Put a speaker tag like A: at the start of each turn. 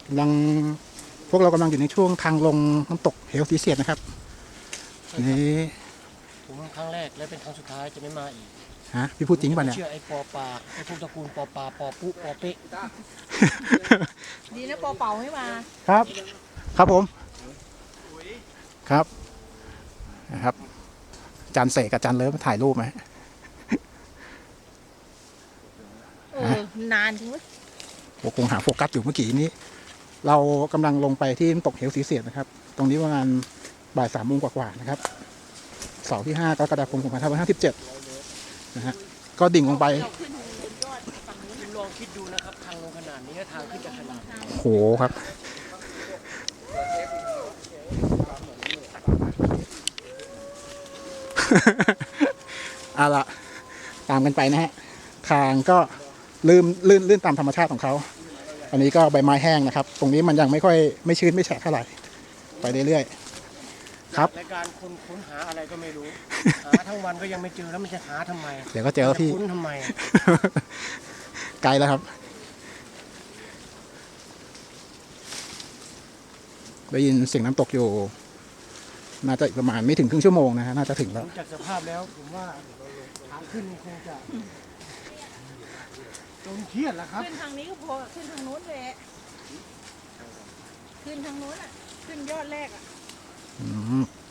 A: กำลังพวกเรากำลังอยู่ในช่วงทางลงน้ำตกเหวสีเสียดนะครับนี่
B: ผมครั้งแรกและเป็นครั้งสุดท้ายจะไม่มาอีก
A: ฮะพี่พูดจริงป่ะเนี่ย
B: เชื่อไอ้ปอปลาไอ้พวกตระกูลปอปลาปอปุ๊ปอเป๊ะ
C: ดีนะปอเป่าไม่มา
A: ครับ ครับผมครับนะครับอาจารย์เสกกับอาจารย์เลิฟมาถ่ายรูปไหม
C: นานจริงไหม
A: ผมคงหาโฟกัสอยู่เมื่อกี้นี้ เรากำลังลงไปที่น้ำตกเหวสีเสียดนะครับ ตรงนี้ประมาณบ่าย3 โมงกว่าๆนะครับเสาร์ที่5 กรกฎาคม 2557นะฮะก็ดิ่งลงไป
B: คุณลองคิดดูนะครับทางลงขนาดนี้ทางขึ้นจะขนาดไหน
A: โหครับเอาละตามกันไปนะฮะทางก็ลื่นตามธรรมชาติของเขาอันนี้ก็ใบไม้แห้งนะครับ ตรงนี้มันยังไม่ชื้นไม่แฉะเท่าไหร่ไปเรื่อยๆครับ
B: ในการค้นหาอะไรก็ไม่รู้หาทั้งวันก็ยังไม่เจอแล้วมันจะหาทำไม
A: เดี๋ยวก็เจอพี่
B: ค้นทำไม
A: ไกลแล้วครับได้ยินเสียงน้ำตกอยู่น่าจะประมาณไม่ถึงครึ่งชั่วโมงนะฮะน่าจะถึงแล้ว
B: จากสภาพแล้วผมว่าทางขึ้นคงจะจนเครียดแล้วครับ
C: ขึ้นทางนี้ก็พอขึ้นทางโน้นเลยขึ้นทางโน้นอ่ะขึ้นยอดแรกอ่ะ
A: อืม